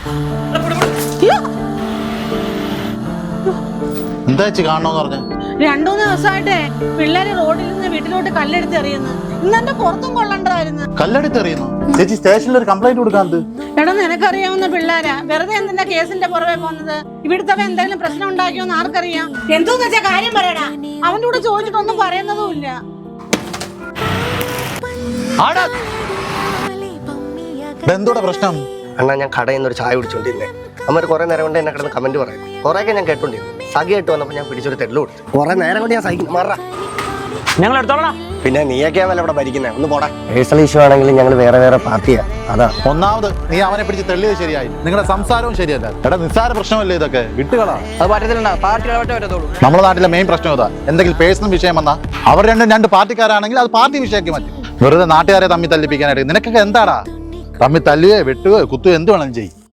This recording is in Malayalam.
എന്താ ചേച്ചി കാണണോന്ന് പറഞ്ഞ? 2-3 ദിവസമായിട്ടേ പിള്ളേര് റോഡിൽ നിന്ന് വീട്ടിലോട്ട് കല്ലെടുത്ത് എറിയുന്നു. ഇന്നെന്റെ പുറത്തും കൊള്ളണ്ടായിരുന്നു. കല്ലെടുത്ത് എറിയുന്നു? ചേച്ചി സ്റ്റേഷനിൽ ഒരു കംപ്ലൈന്റ് കൊടുക്കാൻ. എടാ നിനക്കറിയാവുന്ന പിള്ളേരാ, വെറുതെ എന്തിനാ കേസിന്റെ പുറമെ പോകുന്നത്? ഇവിടുത്തെ എന്തെങ്കിലും പ്രശ്നം ഉണ്ടാക്കിയോന്ന് ആർക്കറിയാം? എന്തോന്ന് വെച്ചാ കാര്യം പറയടാ. അവന്റെ കൂടെ ചോദിച്ചിട്ടൊന്നും പറയുന്നതും ഇല്ല. എന്തോടെ പ്രശ്നം? അണ്ണാ ഞാൻ കടയിൽ നിന്ന് ഒരു ചായ കുടിച്ചോണ്ടിരുന്നേ. അമ്മ കുറെ നേരം കൊണ്ട് എന്നെ കിടന്ന് കമന്റ് പറയും. കുറെയൊക്കെ ഞാൻ കേട്ടോണ്ടിരുന്നു. സഖിയായിട്ട് വന്നപ്പോൾ ഞാൻ പിടിച്ചൊരു തെള്ളു കൊടുത്തു. കുറെ നേരം കൊണ്ട് ഞാൻ സഹിക്കും. മാറാ ഞങ്ങൾ എടുത്തോളാം. പിന്നെ നീയൊക്കെയാണല്ലോ ഇവിടെ ഭരിക്കുന്നത്. ഒന്ന് പോടാ. പേഴ്സണൽ ഇഷ്യൂ ആണെങ്കിൽ ഞങ്ങൾ വേറെ വേറെ പാർട്ടിയാ. അതാ ഒന്നാമത് നീ അവനെ പിടിച്ച് തെള്ളിയത് ശരിയായി. നിങ്ങളുടെ സംസാരവും ശരിയല്ല. എടാ നിസ്സാര പ്രശ്നമല്ലേ ഇതൊക്കെ? വിട്ടുകളാ. അത് പറ്റത്തില്ല. പാർട്ടി പറ്റത്തുള്ളൂ. നമ്മുടെ നാട്ടിലെ മെയിൻ പ്രശ്നം ഇതാ. എന്തെങ്കിലും പേഴ്സണൽ വിഷയം വന്നാൽ അവർ രണ്ട് പാർട്ടിക്കാരാണെങ്കിൽ അത് പാർട്ടി വിഷയമാക്കി മാറ്റും. വെറുതെ നാട്ടുകാരെ തമ്മിൽ തല്ലിപ്പിക്കാനായിട്ട്. നിനക്കൊക്കെ എന്താടാ? തമ്മിൽ തല്ലുകയോ വെട്ടുകയോ കുത്തുകയോ എന്ത് വേണം ചെയ്യും.